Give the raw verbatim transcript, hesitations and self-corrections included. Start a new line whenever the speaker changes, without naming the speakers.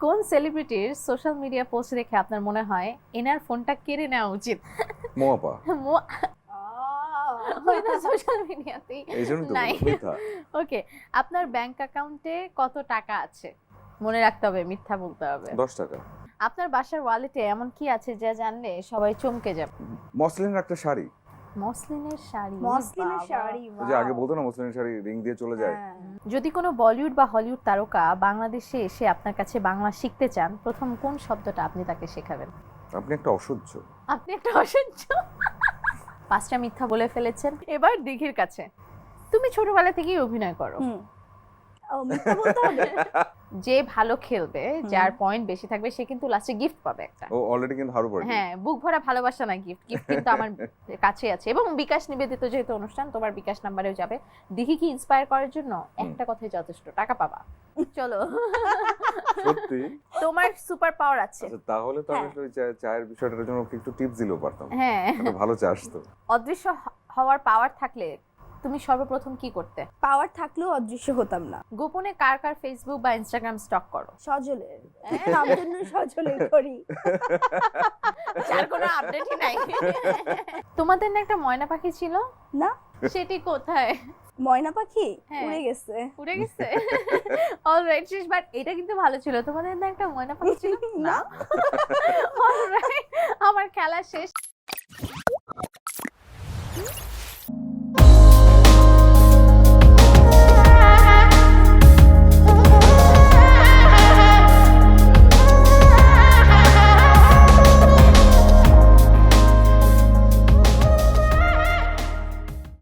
কোন সেলিব্রিটির social media post দেখে আপনার মনে হয় এনার ফোনটা কেড়ে নেওয়া উচিত?
মোয়াপা
মো- ওইটা সোশ্যাল মিডিয়াতেই
এই জন্য তো
নাই।
বললাম, মিথ্যা।
ওকে, আপনার ব্যাংক অ্যাকাউন্টে কত টাকা আছে? মনে রাখতে হবে, মিথ্যা বলতে হবে।
দশ টাকা।
আপনার বাসার ওয়ালেটে এমন কি আছে যা জানলে সবাই চমকে যাবে?
মসলিনের একটা শাড়ি,
মসলিনের শাড়ি।
মসলিনের
বাবা।
শাড়ি
ওই যে আগে বলতো না মসলিনের শাড়ি রিং দিয়ে চলে যায়।
হ্যাঁ।
যদি কোনো বলিউড বা হলিউড তারকা বাংলাদেশে এসে আপনার কাছে বাংলা শিখতে চান, প্রথম কোন শব্দটা আপনি তাকে শেখাবেন?
আপনি একটা অসহ্য।
আপনি একটা অসহ্য। পাঁচটা মিথ্যা বলে ফেলেছেন। এবার দিঘির কাছে। তুমি ছোটবেলা থেকেই অভিনয় করো।
হুম। ও মিথ্যা বলতে হবে।
যে ভালো খেলবে, যার পয়েন্ট বেশি থাকবে, সে কিন্তু লাস্টে গিফট পাবে একটা।
ও অলরেডি কিন্তু হারু পার্টি।
হ্যাঁ, বুক ভরা ভালোবাসা না গিফট। গিফট কিন্তু আমার কাছে আছে এবং বিকাশ নিবেদিত যেহেতু অনুষ্ঠান, তোমার বিকাশ নাম্বারেও যাবে। দিঘি কি ইন্সপায়ার করার জন্য একটা কথাই যথেষ্ট, টাকা পাবা। চলো।
সত্যি?
তোমার সুপার পাওয়ার আছে।
আচ্ছা তাহলে তো আমি আসলে ওই চা- চায়ের বিষয়টার জন্য ওকে একটু টিপস দিলেও পারতাম।
হ্যাঁ,
একটা ভালো চা আসতো।
অদৃশ্য হ- হওয়ার পাওয়ার থাকলে তুমি সর্বপ্রথম কি করতে?
পাওয়ার থাকলেও অদৃশ্য হতাম না।
গোপনে কার কার ফেসবুক বা ইনস্টাগ্রাম স্টক করো?
সজলের তার জন্য সজলে করি।
যার কোনো আপডেটই নাই। তোমাদের না একটা ময়না পাখি ছিল?
না,
সেটি কোথায়?
ময়না পাখি
হ্যাঁ।
উড়ে গেছে।
উড়ে গেছে। অলরাইট, শেষ। বাট এটা কিন্তু ভালো ছিল। তোমাদের না একটা ময়না পাখি ছিল?
না।
অলরাইট, আমার খেলা শেষ।